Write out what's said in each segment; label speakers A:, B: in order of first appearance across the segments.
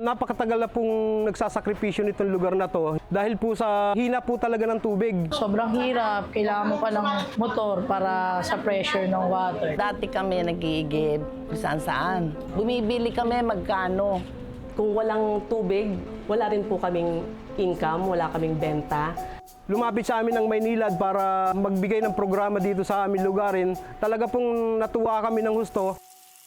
A: Napakatagal na pong nagsasakripisyo nitong lugar na to dahil po sa hina po talaga ng tubig.
B: Sobrang hirap. Kailangan mo pa ng motor para sa pressure ng water.
C: Dati kami nag-iigib kung saan-saan. Bumibili kami magkano.
D: Kung walang tubig, wala rin po kaming income, wala kaming benta.
A: Lumapit sa amin ng Maynilad para magbigay ng programa dito sa aming lugarin. Talaga pong natuwa kami ng husto.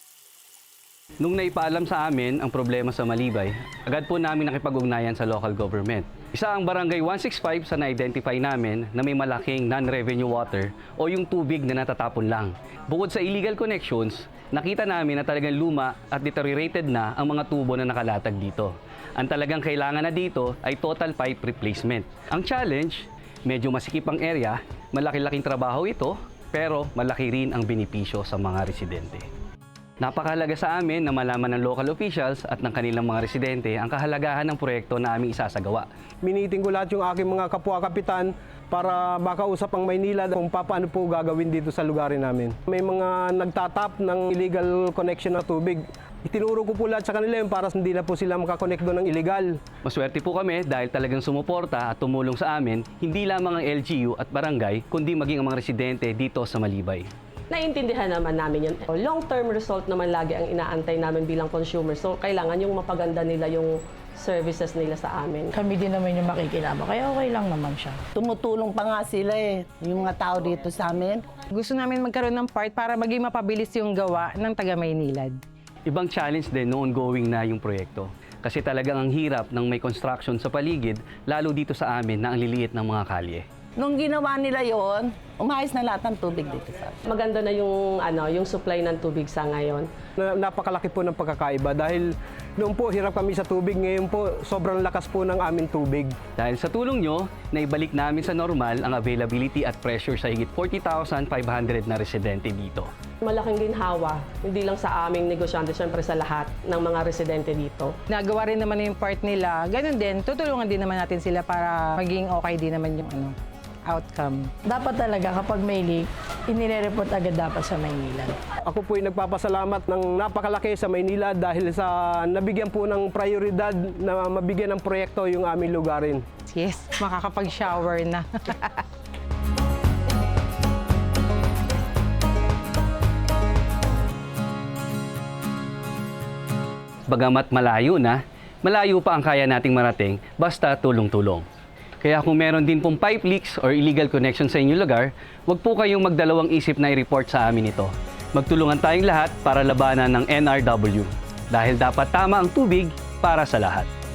E: Nung naipaalam sa amin ang problema sa Malibay, agad po namin nakipag-ugnayan sa local government. Isa ang Barangay 165 sa na-identify namin na may malaking non-revenue water o yung tubig na natatapon lang. Bukod sa illegal connections, nakita namin na talagang luma at deteriorated na ang mga tubo na nakalatag dito. Ang talagang kailangan na dito ay total pipe replacement. Ang challenge, medyo masikip ang area, malaki-laking trabaho ito, pero malaki rin ang benepisyo sa mga residente. Napakahalaga sa amin na malaman ng local officials at ng kanilang mga residente ang kahalagahan ng proyekto na aming isasagawa.
A: Miniting ko lahat yung aking mga kapwa-kapitan para makausap ang Maynilad kung paano po gagawin dito sa lugarin namin. May mga nagtatap ng illegal connection na tubig. Itinuro ko po lahat sa kanila yun para hindi na po sila makakonect doon ng illegal.
E: Maswerte po kami dahil talagang sumuporta at tumulong sa amin hindi lamang ang LGU at barangay kundi maging ang mga residente dito sa Malibay.
D: Naiintindihan naman namin yun. Long-term result naman lagi ang inaantay namin bilang consumer. So, kailangan yung mapaganda nila yung services nila sa amin.
B: Kami din naman yung makikilama, kaya okay lang naman siya.
C: Tumutulong pa nga sila yung mga tao dito sa amin.
F: Gusto namin magkaroon ng part para maging mapabilis yung gawa ng taga Maynilad.
E: Ibang challenge din no ongoing na yung proyekto. Kasi talagang ang hirap ng may construction sa paligid, lalo dito sa amin na ang liliit ng mga kalye.
C: Nung ginawa nila yon, umayos na lahat ng tubig dito sa amin.
D: Maganda na yung supply ng tubig sa ngayon.
A: Napakalaki po ng pagkakaiba dahil noon po hirap kami sa tubig, ngayon po sobrang lakas po ng aming tubig.
E: Dahil sa tulong nyo, naibalik namin sa normal ang availability at pressure sa higit 40,500 na residente dito.
D: Malaking ginhawa, hindi lang sa aming negosyante, syempre sa lahat ng mga residente dito.
F: Nagawa rin naman yung part nila. Ganun din, tutulungan din naman natin sila para maging okay din naman yung outcome.
B: Dapat talaga kapag may leak, inire-report agad dapat sa Maynilad.
A: Ako po ay nagpapasalamat ng napakalaki sa Maynila dahil sa nabigyan po ng prioridad na mabigyan ng proyekto yung aming lugarin.
F: Yes, makakapag-shower na.
E: Bagamat malayo na, malayo pa ang kaya nating marating basta tulong-tulong. Kaya kung meron din pong pipe leaks or illegal connection sa inyong lugar, huwag po kayong magdalawang isip na i-report sa amin ito. Magtulungan tayong lahat para labanan ng NRW. Dahil dapat tama ang tubig para sa lahat.